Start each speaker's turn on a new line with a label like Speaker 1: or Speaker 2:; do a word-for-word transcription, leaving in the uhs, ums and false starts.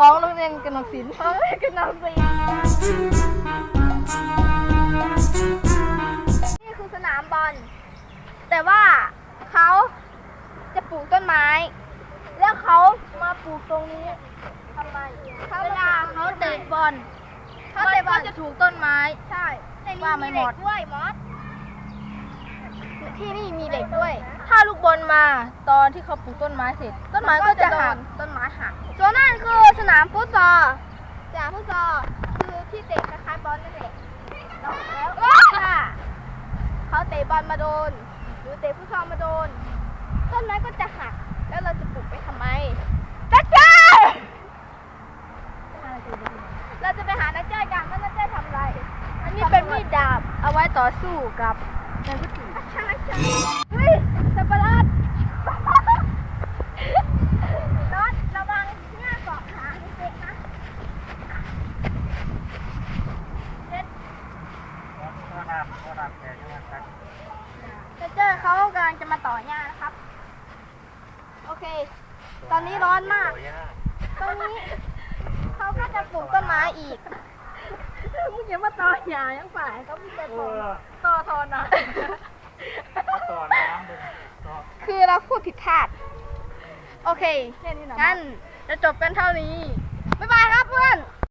Speaker 1: ของโรงเรียนกนกศิลป์
Speaker 2: ของเล่นกนกศิลป์นี่คือสนามบอลแต่ว่าเขาจะปลูกต้นไม้ แล้วเขามาปลูกตรงนี้ทำไมเวลาเขาเตะบอลเขาเตะบอลจะถูกต้นไม้ใช่ว่าไม่หมดด้วยมอสที่นี่มีเหล็กด้วย
Speaker 1: ถ้าลูกบอลมาตอนที่เขาปลูกต้นไม้เสร็จ ต้นไม้ก็จะหักต้นไม้หัก
Speaker 2: ส่วนนั่นคือสนามฟุตซอลสนามฟุตซอลคือที่เตะคล้ายๆบอลนั่นแหละแล้วถ้าเขาเตะบอลมาโดนหรือเตะฟุตซอลมาโดนต้นไม้ก็จะหักแล้วเราจะปลูกไปทำไมนักเจ้เราจะไปหานักเจ้กันว่านักเจ้ทำอะไร
Speaker 1: อันนี้เป็นมีดดาบเอาไว้ต่อสู้กับนายผู้หญิง
Speaker 2: ใช่ใช่เฮ้ยสับปะรดรถระวังเนี่ยเกาะขาเด็กๆนะเด็ดจะเจอเขากำลังจะมาต่อหญ้านะครับ โอเค ตอนนี้ร้อนมาก ตรงนี้เขาก็จะปลูกต้นไม้อีก
Speaker 1: มึงอย่ามาต่อหยายังฝ่าย
Speaker 2: ก็มีแต่ต้น
Speaker 1: ต่อทอนะ
Speaker 3: ต่อน้ำเลยต่อ
Speaker 2: คือเราพูดผิดพลาด โอเค
Speaker 1: แค่นี้นะ
Speaker 2: งั้นจะจบกันเท่านี้ บ๊ายบายครับเพื่อน